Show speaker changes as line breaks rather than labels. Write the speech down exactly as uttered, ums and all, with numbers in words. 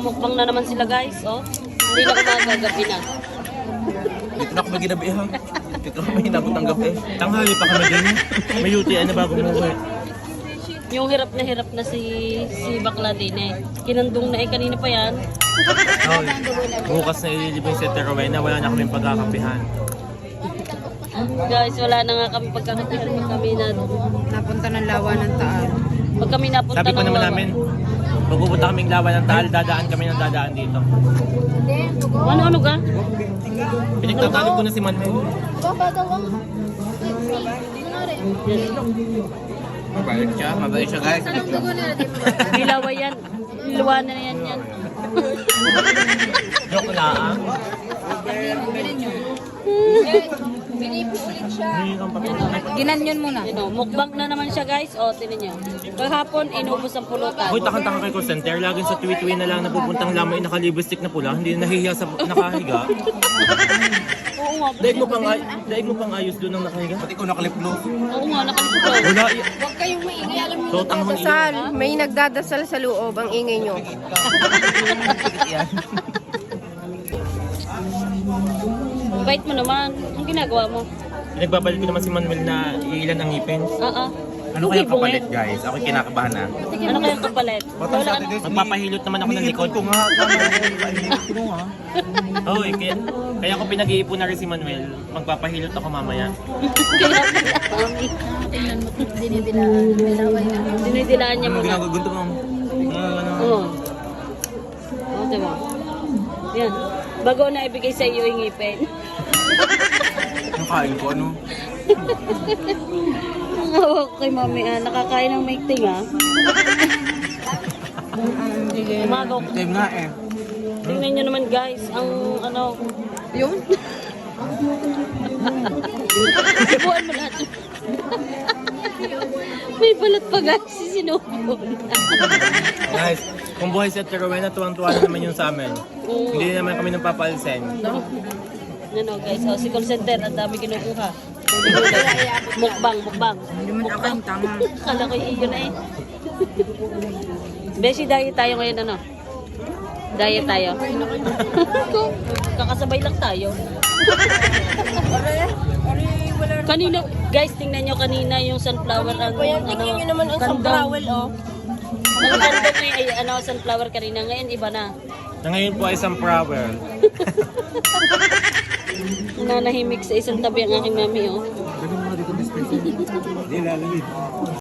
Magmumukbang na naman sila guys, oh. Hindi na umaga, gabi na.
Dito na ako may ginabi ha. Dito na may hinabot ng gabi. Tanghali pa kami din. May U T I na bago umuwi.
Yung hirap na hirap na si si bakla din eh. Kinandong na eh, kanina pa yan.
Oh, bukas na ililibing si Terowena, wala na kaming pagkakapihan.
Guys, wala na nga kami pagkakapihan pag kami na...
Napunta ng lawa ng Taal.
Pag kami napunta
Sabi ko
ng
naman
Lawa.
namin, pag pupunta kaming lawan ng Taal, dadaan kami ng dadaan dito.
Ano-ano ka?
Pinagtatanong ko na si Manuel. Mabait siya, mabait siya guys.
Dilaway yan. Luwanan na yan yan.
Joke na ah.
Binipulit siya.
Hindi kang papit.
Ginanyon muna.
Ano, mukbang na naman siya guys. O, tinan niyo. Kahapon, inubos ang pulutan.
Hoy, takang-taka kay call center. Laging sa tweet-tweet na lang napupuntang lamay nakalibistik na pula. Hindi na nahihiya sa nakahiga.
Oo nga.
Daig mo pang, ay- daig mo pang ayos doon ng nakahiga. Pati ko nakaliplo.
Oo nga, nakalimutan.
Wala.
Huwag kayong maingay. Alam mo,
So, tanghon iyo.
Sal, may nagdadasal sa loob. Ang ingay nyo.
Ang bait mo naman. Ang ginagawa mo.
Nagbabalit ko naman si Manuel na ilan ang ngipin.
Oo.
Ano kaya kapalit guys? Ako kinakabahan na.
Ano kayang kapalit? Wala ano.
Magpapahilot naman ako ng likod. nga. Oo, eh, kaya, kaya ako pinag-iipon na rin si Manuel. Magpapahilot ako mamaya.
Dinidilaan niya
Ano
muna.
ginagagunto mo? Ano?
Oo. Oo, diba? Yan. Bago na ibigay sa iyo yung ngipin.
Yung kain ko ano?
Ang hawak kay mami ah. Nakakain ng maigting ah. Umagaw.
Time nga eh.
Tingnan nyo naman guys. Ang ano.
yun?
Sibuan mo lahat. May balat pa guys. Sinubon.
Guys, kung buhay si Terowena, tuwang-tuwa na naman yun sa amin.
Oo.
Hindi naman kami nang papalsen.
Ano guys, oh, si call center, ang dami kinukuha. Huli-huli. Mukbang, mukbang.
Hindi mo nakain, tama.
Kala ko iyo na eh. Beshi, diet tayo ngayon ano? Diet tayo. Kakasabay lang tayo. Kanina, guys, tingnan nyo kanina yung sunflower ang ano,
Tingnan nyo naman ang
kandong.
sunflower, oh.
Ang kandong na ay ano, sunflower kanina. Ngayon, iba na.
Na ngayon po ay sunflower.
Nanahimik sa isang tabi ang aking mami, oh.
Hindi lalamig.